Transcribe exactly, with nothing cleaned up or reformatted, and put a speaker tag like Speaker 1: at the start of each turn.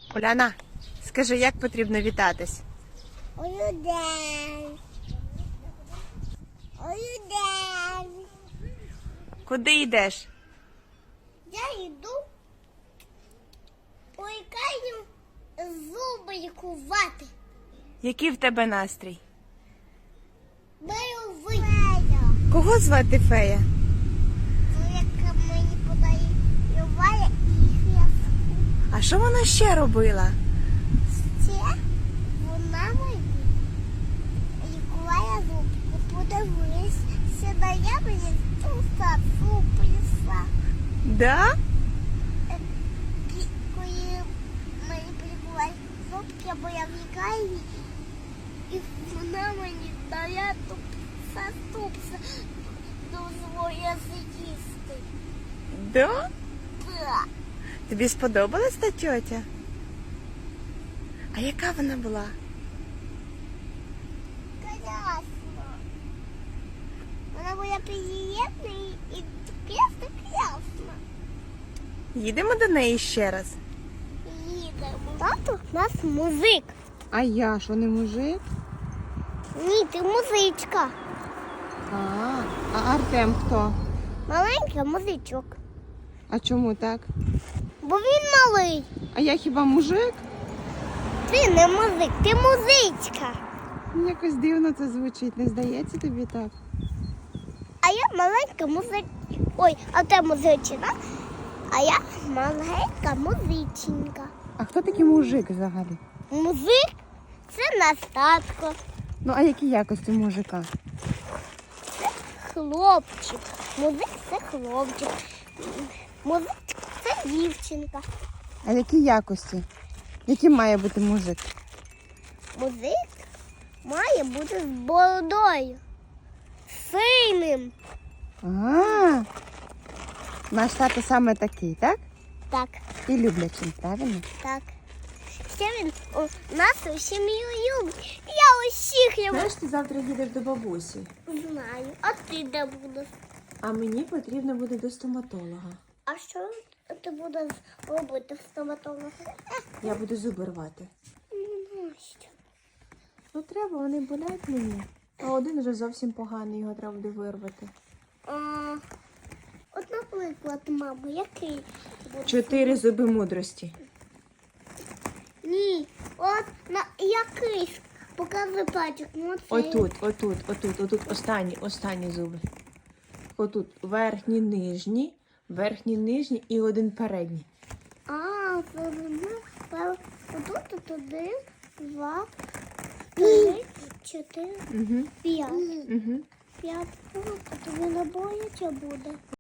Speaker 1: Уляна, скажи, як потрібно вітатись?
Speaker 2: Ой, день. Ой, день.
Speaker 1: Куди йдеш?
Speaker 2: Я йду у лікарню зуби лікувати.
Speaker 1: Який в тебе настрій?
Speaker 2: Бойовий.
Speaker 1: Кого звати Фея?
Speaker 2: Ну, яка мені подарувала і я.
Speaker 1: А що вона ще робила?
Speaker 2: Ще вона мені лікувала зубки. Подивись, на я мені туса зубися.
Speaker 1: Да?
Speaker 2: Коли мені полікували зубки, бо я в лікарні, і вона мені дала туса тупса до своє з'їсти.
Speaker 1: Да?
Speaker 2: Да.
Speaker 1: Тобі сподобалась та тьотя? А яка вона була?
Speaker 2: Класно. Вона була приємна і просто класно.
Speaker 1: Їдемо до неї ще раз.
Speaker 2: Їдемо. Тато у нас музик.
Speaker 1: А я що, не мужик?
Speaker 2: Ні, ти музичка.
Speaker 1: А, а Артем хто?
Speaker 2: Маленький музичок.
Speaker 1: А чому так?
Speaker 2: Бо він малий.
Speaker 1: А я хіба мужик?
Speaker 2: Ти не музик, ти музичка.
Speaker 1: Якось дивно це звучить, не здається тобі так?
Speaker 2: А я маленька музичка. Ой, а ти музичина, а я маленька музиченька.
Speaker 1: А хто такий мужик взагалі?
Speaker 2: Музик – це наш татко.
Speaker 1: Ну, а які якості мужика?
Speaker 2: Хлопчик. Музик – це хлопчик. Музик – це дівчинка.
Speaker 1: А які якості? Яким має бути мужик?
Speaker 2: Музик має бути з бородою. Сильним.
Speaker 1: А, наш тато саме такий, так?
Speaker 2: Так,
Speaker 1: І люблячим, правильно?
Speaker 2: так. Ще він у нас у сім'ю любить. Я усіх його
Speaker 1: Знаєш, ти завтра їдеш до бабусі,
Speaker 2: знаю. А ти де будеш?
Speaker 1: а мені потрібно буде до стоматолога.
Speaker 2: А що ти будеш робити в стоматолога?
Speaker 1: Я буду зуби рвати.
Speaker 2: Настя.
Speaker 1: Ну треба, вони болять мені. А один вже зовсім поганий, його треба буде вирвати.
Speaker 2: А, от, наприклад, мама, який буде?
Speaker 1: Чотири зуби мудрості.
Speaker 2: Ні, от на який? Показуй пальчик. Ну, цей.
Speaker 1: Отут, отут, отут, отут, останні, останні зуби. Отут верхні, нижні, верхні, нижні і один передній.
Speaker 2: А, це зуби. Отут, тут один, два, три, чотири,
Speaker 1: Угу,
Speaker 2: п'ять.
Speaker 1: угу.
Speaker 2: П'ять. Тобі не бояче буде.